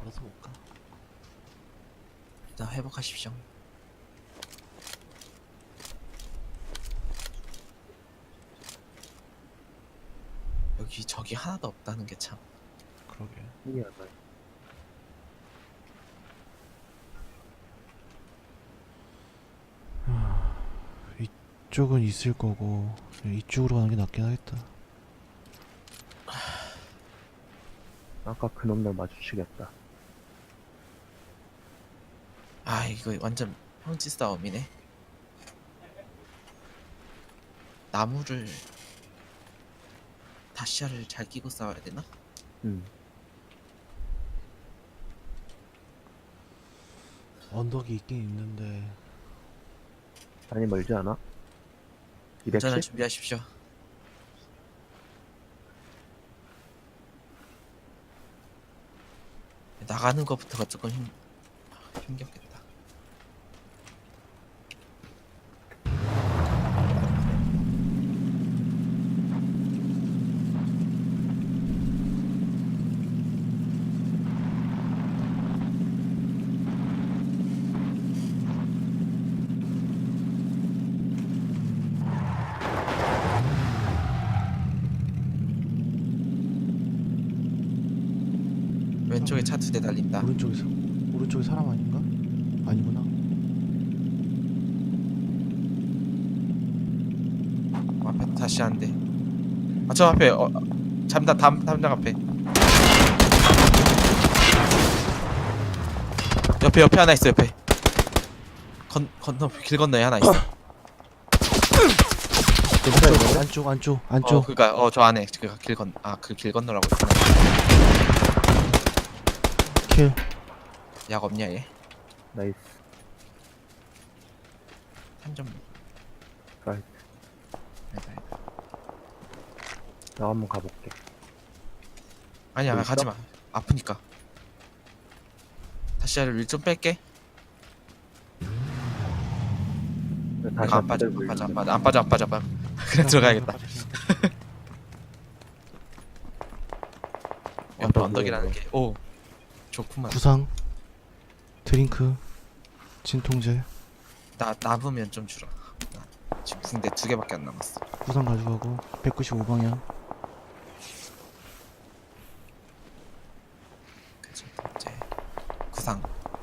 걸어서 못 가. 일단 회복하십시오. 여기 적이 하나도 없다는 게 참. 그러게. 신기하다. 이쪽은 있을 거고 이쪽으로 가는 게 낫긴 하겠다. 아까 그놈들 마주치겠다. 아 이거 완전 평지 싸움이네. 나무를 다시아를 잘 끼고 싸워야 되나? 언덕이 있긴 있는데 많이 멀지 않아? 운전을 210? 준비하십시오. 나가는 것부터가 조금 힘겹겠다. 왼쪽에 차 2대 달린다. 오른쪽에 사람 아닌가? 아니구나. 앞에 다시 한 대. 아 저 앞에 담장 앞에. 옆에 하나 있어. 옆에 길 건너에 하나 있어. 안쪽. 그니까 저 안에 그 길 건너라고 했구나. 킬. 약 없냐 얘? 나이스. 3점. 라이트. 나 한번 가볼게. 아니야 뭐 있어? 가지마. 아프니까. 다시야를 1점 뺄게. 다시 안 빠져. 그냥 들어가야겠다. 옆에 언덕이라는 게. 오 좋구만. 구상. 드링크. 진통제. 남으면 좀 주라. 나 지금 붕대 2개밖에 안 남았어. 구상 가져가고 195방향. 그치 이제 구상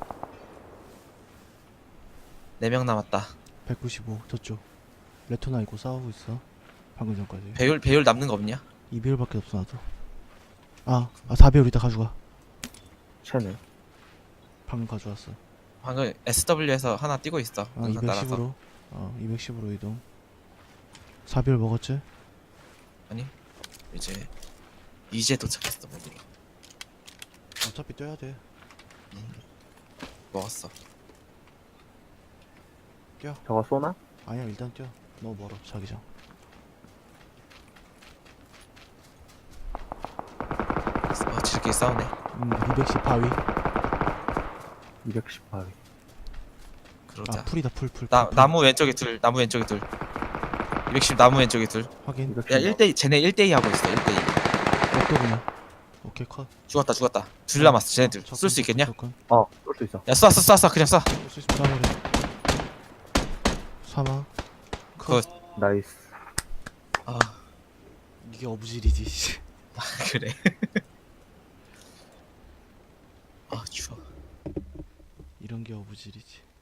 4명 남았다. 195 저쪽. 레토나 있고 싸우고 있어. 방금 전까지. 배율 남는 거 없냐? 2배율밖에 없어 나도. 4배율 이따 가져가. 채네. 방금 가져왔어. 방금 SW에서 하나 뛰고 있어. 능선 따라서. 210으로 210으로 이동. 4배율 먹었지? 아니 이제 도착했어. 모두로 어차피 뛰어야 돼. 먹었어. 저거 쏘나? 아니야 일단 뛰어. 너무 멀어 자기장. 지들끼리 싸우네. 210 바위. 210 바위. 그러자. 풀이다 풀. 나무 왼쪽에 둘. 210 나무 왼쪽에 둘. 확인. 210 야 1대2 쟤네 1대2 하고 있어. 1대2. 옥도그냥. 오케이 컷. 죽었다. 둘 남았어. 쟤네들 쏠 수 있겠냐? 쏠 수 있어. 야 쏴 그냥 쏴. 쏠수 있으면 쏴버려. 사망. 컷. 나이스. 아 이게 어부질이지. 그래. 아 추워. 이런 게 어부질이지.